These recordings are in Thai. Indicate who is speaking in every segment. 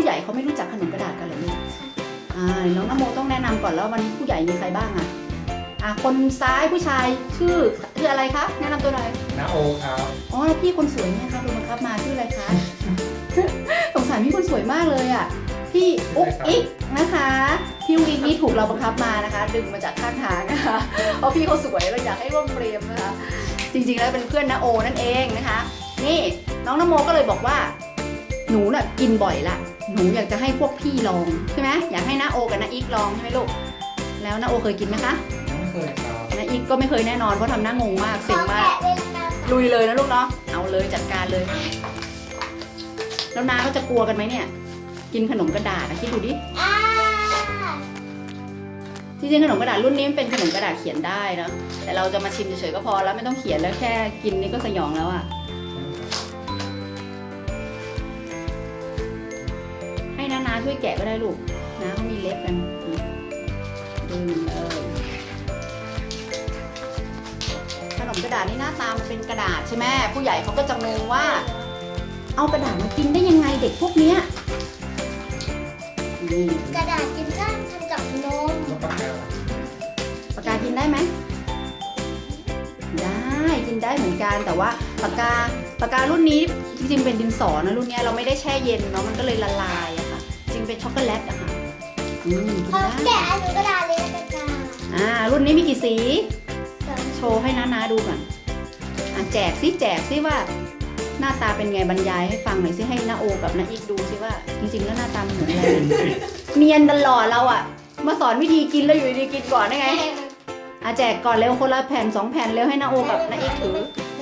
Speaker 1: ญ่เขาไม่รู้จักขนมกระดาษกันเหรอลูกน้องนโมต้องแนะนำก่อนแล้ววันนี้ผู้ใหญ่มีใครบ้างคนซ้ายผู้ชายชื่ออะไรคะแนะนำตัวหน่อย
Speaker 2: น้าโอครับ
Speaker 1: อ๋อพี่คนสวยเนี่ยครับโดนบังคับมาชื่ออะไรคะ สงสารพี่คนสวยมากเลยพี่อุ๊กอิ๊กนะคะพี่อุ๊กอิ๊กนี่ถูกเราบังคับมานะคะ ดึงมาจากข้างทางนะคะเพราะพี่เขาสวยเราอยากให้ร่วมเฟรมนะคะจริงๆแล้วเป็นเพื่อนน้าโอนั่นเองนะคะนี่น้องนโมก็เลยบอกว่าหนูน่ะกินบ่อยละหนูอยากจะให้พวกพี่ลองใช่ไหมอยากให้น้าโอกับน้าอิ๊กลองใช่ไหมลูกแล้วน้าโอเคยกินไหมคะ
Speaker 2: ไม่เคยครับ
Speaker 1: น้าอิ๊กก็ไม่เคยแน่นอนเพราะทำหน้างงมากเซ็งมากลุยเลยนะลูกเนาะเอาเลยจัดการเลยแล้วน้าเขาจะกลัวกันไหมเนี่ยกินขนมกระดาษคิดดูดิจริงๆขนมกระดาษรุ่นนี้มันเป็นขนมกระดาษเขียนได้นะแต่เราจะมาชิมเฉยๆก็พอแล้วไม่ต้องเขียนแล้วแค่กินนี่ก็สยองแล้วให้น้าช่วยแกะก็ได้ลูกน้าเขามีเล็บกันดึงเลยขนมกระดาษนี่หน้าตามันเป็นกระดาษใช่ไหมผู้ใหญ่เขาก็จะงงว่าเอากระดาษมากินได้ยังไงเด็กพวกเนี้ย
Speaker 3: กระดาษกินได้ทำจากนม
Speaker 1: ปากกากินได้ไหมได้กินได้เหมือนกันแต่ว่าปากการุ่นนี้จริงๆเป็นดินสอนะรุ่นนี้เราไม่ได้แช่เย็นเนาะมันก็เลยละลายอะค่ะจริงเป็นช็อกโกแลตอะค่ะ
Speaker 3: กินได้แกะอันนี้กระดาษเลยนะจ๊ะ
Speaker 1: รุ่นนี้มีกี่สีโชว์ให้น้าดูก่อนแจกซิว่าหน้าตาเป็นไงบรรยายให้ฟังหน่อยซิให้น้าโอกับน้าอีกดูซิว่าจริงๆแล้วหน้าตาเหมือนอะไรเนียนตลอดเราอะมาสอนวิธีกินแล้วอยู่ดีกินก่อนได้ไงแจกก่อนเร็วคนละแผ่น2 แผ่นเร็วให้น้าโอกับน้าอีกถือ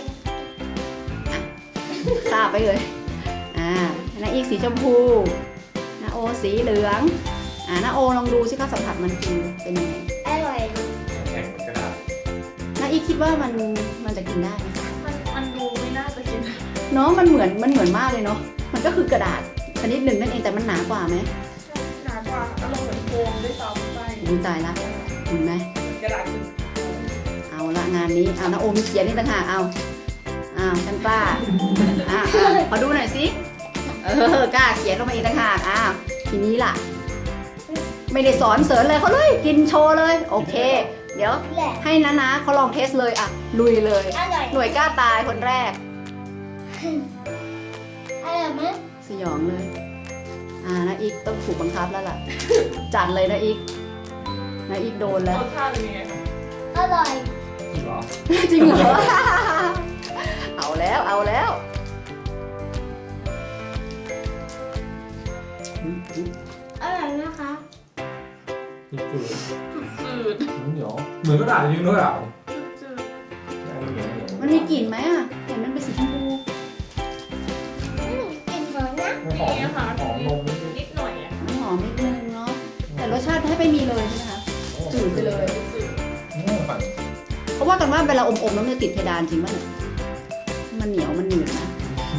Speaker 1: ทราบไปเลยน้าอีกสีชมพูน้าโอสีเหลืองน้าโอลองดูซิคะสัมผัสมันคือเป็นยังไง
Speaker 3: อร่อย
Speaker 2: แข็งกระดาษ
Speaker 1: น้าอีกคิดว่ามันจะกินได้ไหม
Speaker 4: มันดูไม่น่าจะกิน
Speaker 1: เนาะมันเหมือนมากเลยเนาะมันก็คือกระดาษชนิดหนึ่งนั่นเองแต่มันหนากว่าไหม
Speaker 4: หนากว่าอารมณ์เหมือนโฟมด้วยซ้ำไป
Speaker 1: ตายละเห็นไหม
Speaker 4: กระดาษ
Speaker 1: เอาละงานนี้น้าโอมีเขียนนี่ต่างหากฉันป้าขอดูหน่อยสิกล้าเขียนลงมาอีกต่างหากทีนี้ล่ะไม่ได้สอนเสริญเลยเขาเลยกินโชว์เลยโอเคเดี๋ยวให้น้าเขาลองเทสเลยลุยเลยหน่วยกล้าตายคนแรก
Speaker 3: อร่อยไหม
Speaker 1: สยองเลยน้าอีกต้องถูกบังคับแล้วล่ะจัดเลยน้าอีกโดนแล้ว
Speaker 4: รสชาติเป็นยังไง
Speaker 3: อร่อย
Speaker 1: จริงเหรอเอาแล้วอร่อย
Speaker 3: นะคะ
Speaker 4: จืด
Speaker 2: เหนียวเหมือนกระดาษจริงด้วย
Speaker 4: จืด
Speaker 1: มันมีกลิ่นไหมเห็นมันเป็นสีชมพู
Speaker 3: กลิ่นหอมนะ
Speaker 2: หอมนม
Speaker 4: นิดหน่อย
Speaker 1: หอมนิดนึงเนาะแต่รสชาติให้ไม่มีเลยใช่ไหมคะจืดไปเลยเพราะว่ากันว่าเวลาอมแล้วมันจะติดเพดานจริงป่ะเนี่ยมันเหนียวมันหนืดนะ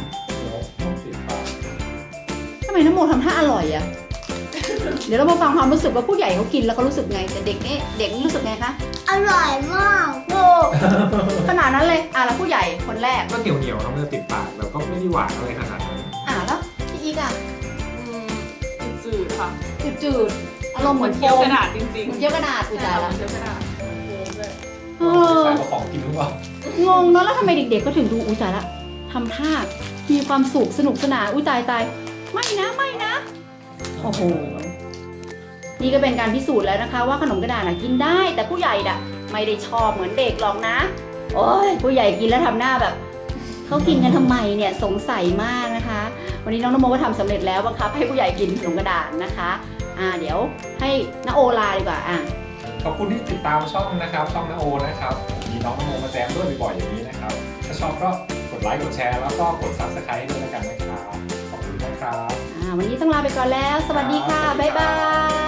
Speaker 1: ทำไมน้ำโมทำท่าอร่อยเดี๋ยวเรามาฟังความรู้สึกว่าผู้ใหญ่เขากินแล้วเขารู้สึกไงแต่เด็กนี่รู้สึกไงคะ
Speaker 3: อร่อยมาก
Speaker 1: โอ้ขนาดนั้นเลยแล้วผู้ใหญ่คนแรก
Speaker 2: ก็เหนียวแล้วมันจะติดปากแล้วก็ไม่ได้หวานอะไรขนาดนั้น
Speaker 1: แล้วพี่อีก
Speaker 4: จืดค่ะ
Speaker 1: จืดอารมณ์เหมือน
Speaker 4: เคี้ยวกระดาษจริงๆ
Speaker 1: เหมือนเคี้ยวกระดาษอุจจาระ
Speaker 4: เคี้ยวกระดาษ
Speaker 2: ใส่ของกินหรือเปล่าง
Speaker 1: งเนาะแล้วทำไมเด็กๆก็ถึงดูอุจจาระทำท่ามีความสุขสนุกสนานตายไม่นะโอ้โหนี่ก็เป็นการพิสูจน์แล้วนะคะว่าขนมกระดาษกินได้แต่ผู้ใหญ่ไม่ได้ชอบเหมือนเด็กหรอกนะโอ้ยผู้ใหญ่กินแล้วทำหน้าแบบเขากินกันทำไมเนี่ยสงสัยมากนะคะวันนี้น้องนโมก็ทำสำเร็จแล้วบังคับให้ผู้ใหญ่กินขนมกระดาษนะคะเดี๋ยวให้น้าโอลาดีกว่า
Speaker 2: ขอบคุณที่ติดตามช่องนะครับช่องน้าโอนะครับมีน้องนโมมาแจมด้วยบ่อยๆอย่างนี้นะครับถ้าชอบก็กดไลค์กดแชร์แล้วก็กด Subscribe ด้วยแล้วกันนะครับขอบคุณนะครับ
Speaker 1: วันนี้ต้องลาไปก่อนแล้วสวัสดีค่ะบ๊ายบาย